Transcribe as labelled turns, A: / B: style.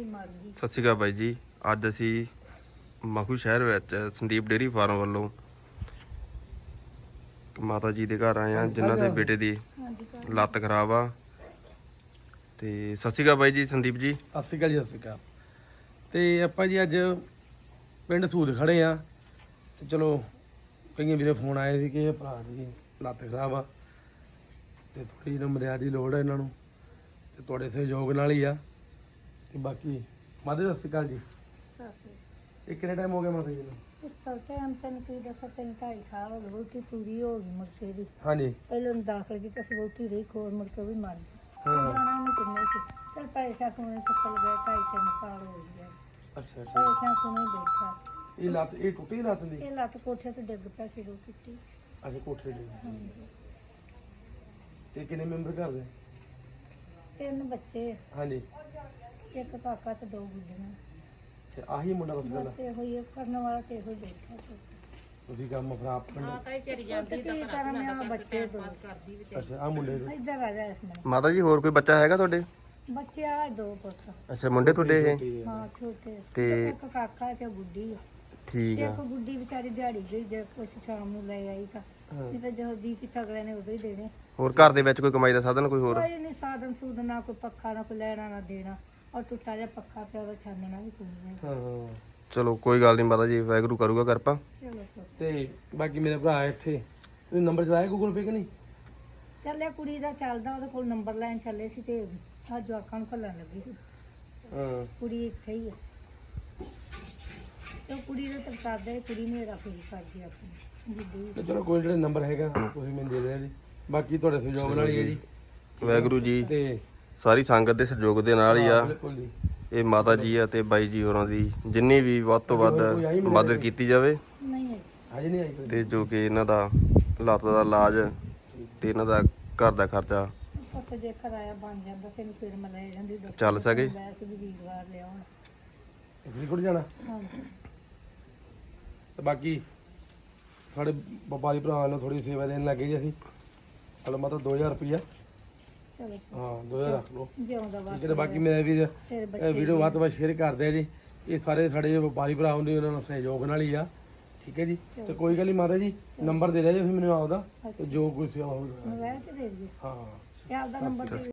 A: ਮਰ ਗਈ।
B: ਸਤਿ ਸ਼੍ਰੀ ਅਕਾਲ ਬਾਈ ਜੀ। ਅੱਜ ਅਸੀਂ ਮਖੂ ਸ਼ਹਿਰ ਵਿੱਚ ਸੰਦੀਪ ਡੇਅਰੀ ਫਾਰਮ ਵੱਲੋਂ ਮਾਤਾ ਜੀ ਦੇ ਘਰ ਆਏ ਆ ਜਿਨ੍ਹਾਂ ਦੇ ਬੇਟੇ ਦੀ ਲੱਤ ਖਰਾਬ ਆ। ਤੇ ਸਤਿ ਸ਼੍ਰੀ ਅਕਾਲ ਬਾਈ ਜੀ, ਸੰਦੀਪ ਜੀ।
C: ਸਤਿ ਸ਼੍ਰੀ ਅਕਾਲ ਜੀ, ਸਤਿ ਸ਼੍ਰੀ ਅਕਾਲ। ਤੇ ਆਪਾਂ ਜੀ ਅੱਜ ਪਿੰਡ ਸੂਦ ਖੜੇ ਆ ਤੇ ਚਲੋ ਕਈਆਂ ਵੀਰੇ ਫੋਨ ਆਏ ਸੀ ਕਿ ਭਰਾ ਦੀ ਲੱਤ ਖਰਾਬ ਆ ਤੇ ਥੋੜੀ ਜਿਹੀ ਮਦਦ ਦੀ ਲੋੜ ਹੈ ਇਹਨਾਂ ਨੂੰ ਤੇ ਤੁਹਾਡੇ ਸਹਿਯੋਗ ਨਾਲ ਹੀ ਆ। ਤੇ ਬਾਕੀ ਮਾਤਾ ਜੀ ਸਤਿ ਸ਼੍ਰੀ ਅਕਾਲ ਜੀ। ਇਹ ਕਿੰਨੇ ਟਾਈਮ ਹੋ ਗਿਆ ਮਾਤਾ ਜੀ ਨੂੰ?
A: ਇਸ ਕਰਕੇ ਹਮ ਤੈਨੂੰ ਕੀ ਦੱਸਾਂ, 3-2.5 ਸਾਲ ਹੋ ਗਏ। ਵੋਟੀ ਪੂਰੀ ਹੋ ਗਈ ਮੁਰਕੇ ਦੀ।
C: ਹਾਂਜੀ।
A: ਪਹਿਲਾਂ ਦਾਖਲ ਕੀਤੀ ਸੀ, ਵੋਟੀ ਰਹੀ ਖੋਰ, ਮੁੜ ਕੇ ਵੀ ਮਰ ਗਈ।
C: ਹਾਂ।
A: ਜਾਣਾ ਨਹੀਂ ਕਿੰਨੇ ਸੀ, ਚਲ ਪੈਸਾ ਕੋਨੇ ਟੱਕਲ ਗਿਆ। 2.5-3 ਸਾਲ ਹੋ ਗਏ।
C: ਅੱਛਾ ਅੱਛਾ।
A: ਪੈਸਾ ਕੋਨੇ ਬੈਠਾ।
C: ਇਹ ਲੱਤ ਇਹ ਟੁੱਟੀ ਲੱਤ ਦੀ?
A: ਇਹ ਲੱਤ ਕੋਠੇ ਤੇ ਡਿੱਗ ਪਿਆ ਸੀ, ਰੋ ਟੁੱਟੀ।
C: ਅੱਛਾ ਕੋਠੇ ਦੀ।
A: ਹਾਂਜੀ।
C: ਤੇ ਕਿੰਨੇ ਮੈਂਬਰ ਘਰ ਦੇ?
A: 3 ਬੱਚੇ,
C: ਹਾਂਜੀ।
A: ਇੱਕ ਕਾਕਾ ਤੇ 2 ਗੁੱਡੀਆਂ।
C: ਤੇ ਆਹੀ ਮੁੰਡਾ ਬਸ ਗੱਲ
A: ਬਸ ਇਹੋ ਹੀ ਕਰਨ ਵਾਲਾ ਤੇ ਇਹੋ ਹੀ ਬੈਠਾ ਸੀ।
C: ਤੁਸੀਂ ਕੰਮ ਖਰਾਬ ਕਰਨਾ।
A: ਕੀ ਕਰਾਂ ਮੈਂ ਆ ਬੱਚੇ ਦੋ।
C: ਅੱਛਾ ਆ ਮੁੰਡੇ ਦੇ
A: ਇੱਧਰ ਆ ਜਾ ਇਸ ਮਿੰਟ।
B: ਮਾਤਾ ਜੀ ਹੋਰ ਕੋਈ ਬੱਚਾ ਹੈਗਾ ਤੁਹਾਡੇ?
A: ਬੱਚੇ ਆ 2 ਪੁੱਤ।
B: ਅੱਛਾ, ਮੁੰਡੇ ਤੁਹਾਡੇ ਇਹ?
A: ਹਾਂ ਛੋਟੇ।
B: ਤੇ
A: ਇੱਕ ਕਾਕਾ ਤੇ ਗੁੱਡੀ ਆ।
B: ਠੀਕ ਆ।
A: ਇੱਕ ਗੁੱਡੀ ਵਿਚਾਰੀ ਦਿਹਾੜੀ ਗਈ, ਜੇ ਕੁਛ ਸ਼ਾਮ ਨੂੰ ਲੈ ਆਈ ਤਾਂ ਨਹੀਂ ਤਾਂ ਜਦੋਂ ਦੀ ਕਿ ਤਗੜੇ ਨੇ ਉਦੋਂ ਹੀ ਦੇਣੇ।
B: ਹੋਰ ਘਰ ਦੇ ਵਿੱਚ ਕੋਈ ਕਮਾਈ ਦਾ ਸਾਧਨ ਕੋਈ ਹੋਰ?
A: ਕੋਈ ਨਹੀਂ ਸਾਧਨ ਸੂਦਨ, ਨਾ ਕੋਈ ਪੱਖਾ, ਨਾ ਕੋਈ ਲੈਣਾ ਨਾ ਦੇਣਾ। ਔਰ ਟੁੱਟਾ ਜਿਹਾ ਪੱਖਾ ਪਿਆ, ਉਹਦਾ ਛਾਨਣਾ ਵੀ ਕੋਈ ਨਹੀਂ।
C: ਹਾਂ।
B: ਚਲੋ ਕੋਈ ਗੱਲ ਨਹੀਂ ਮਾਤਾ ਜੀ, ਵਾਹਿਗੁਰੂ ਕਰੂਗਾ ਕਿਰਪਾ।
A: ਚਲੋ ਪੁੱਤ।
C: ਤੇ ਬਾਕੀ ਮੇਰੇ ਭਰਾ ਇੱਥੇ ਤੁਸੀਂ ਨੰਬਰ ਚਲਾਇਆ ਗੂਗਲ ਪੇ ਕਿ ਨਹੀਂ?
A: ਚੱਲਿਆ ਕੁੜੀ ਦਾ ਚੱਲਦਾ, ਉਹਦੇ ਕੋਲ ਨੰਬਰ ਲੈਣ ਚੱਲੇ ਸੀ ਤੇ ਆ ਜਵਾਕਾਂ ਨੂੰ ਘੱਲਣ ਲੱਗੀ ਸੀ।
C: ਹਾਂ।
A: ਕੁੜੀ ਇੱਥੇ ਹੀ ਆ ਤੇ ਕੁੜੀ ਦਾ ਤਾਂ ਕਰਦਾ, ਕੁੜੀ ਨੇ ਰੱਖ ਲਈ ਕਰਦੀ ਆਪਣੀ ਗੁੱਡੀ।
C: ਤੇ ਚਲੋ ਕੋਈ ਜਿਹੜਾ ਨੰਬਰ ਹੈਗਾ ਤੁਸੀਂ ਮੈਨੂੰ ਦੇ ਦਿਓ ਜੀ। ਬਾਕੀ ਤੁਹਾਡੇ ਸਹਿਯੋਗ ਨਾਲ ਹੀ ਹੈ ਜੀ।
B: ਵਾਹਿਗੁਰੂ ਜੀ
C: ਤੇ
B: ਸਾਰੀ ਸੰਗਤ ਦੇ ਸਹਿਯੋਗ ਦੇ ਨਾਲ ਹੀ ਆ।
C: ਬਿਲਕੁਲ ਜੀ।
B: ਇਹ ਮਾਤਾ ਜੀ ਆ ਤੇ ਬਾਈ ਜੀ ਹੋਰਾਂ ਦੀ ਜਿੰਨੀ ਵੀ ਵੱਧ ਤੋਂ ਵੱਧ ਮਦਦ ਕੀਤੀ ਜਾਵੇ
A: ਨਹੀਂ ਹੈ
C: ਅੱਜ ਨਹੀਂ ਆਈ ਕੋਈ?
B: ਤੇ ਜੋ ਕਿ ਇਹਨਾਂ ਦਾ ਲੱਤ ਦਾ ਇਲਾਜ ਤੇ ਇਹਨਾਂ ਦਾ ਘਰ ਦਾ ਖਰਚਾ
A: ਪੁੱਤ ਜੇ ਕਿਰਾਇਆ ਬਣ ਜਾਂਦਾ ਤੈਨੂੰ ਫਿਰ ਮੈਂ ਲੈ ਜਾਂਦੀ।
B: ਚੱਲ ਸਕੇ।
A: ਵੈਸੇ ਵੀ ਵੀਰਵਾਰ ਲਿਆਉਣ।
C: ਫਰੀਦਕੋਟ ਜਾਣਾ?
A: ਹਾਂਜੀ।
C: ਤੇ ਬਾਕੀ ਸਾਡੇ ਵਪਾਰੀ ਭਰਾ ਨੂੰ ਥੋੜੀ ਸੇਵਾ ਦੇਣ ਲੱਗੇ ਜੀ ਅਸੀਂ। ਹਲੋ ਮਤਲਬ 2000 ਰੁਪਇਆ।
A: ਚਲੋ
C: ਹਾਂ 2000 ਰੱਖ ਲਓ।
A: ਜਿਉਂਦਾ ਵਾ।
C: ਠੀਕ ਹੈ। ਤੇ ਬਾਕੀ ਮੇਰੇ ਵੀ
A: ਤੇਰੇ ਬੱਚੇ
C: ਵੀਡੀਓ ਵੱਧ ਤੋਂ ਵੱਧ ਸ਼ੇਅਰ ਕਰਦੇ ਆ ਜੀ। ਇਹ ਸਾਰੇ ਸਾਡੇ ਜੋ ਵਪਾਰੀ ਭਰਾ ਹੁੰਦੇ ਉਹਨਾਂ ਨੂੰ ਸਹਿਯੋਗ ਨਾਲ ਹੀ ਆ। ਠੀਕ ਹੈ ਜੀ। ਤੇ ਕੋਈ ਗੱਲ ਨਹੀਂ ਮਾਤਾ ਜੀ, ਨੰਬਰ ਦੇ ਦਿਆ ਜੀ ਤੁਸੀਂ ਮੈਨੂੰ ਆਪਦਾ, ਤੇ ਜੋ ਕੋਈ ਸੇਵਾ ਹੋਵੇ
A: ਮੋਬਾਈਲ ਤੇ ਦੇ ਦਿਓ।
C: ਹਾਂ।
A: ਤੇ ਆਪਦਾ ਨੰਬਰ ਦੇ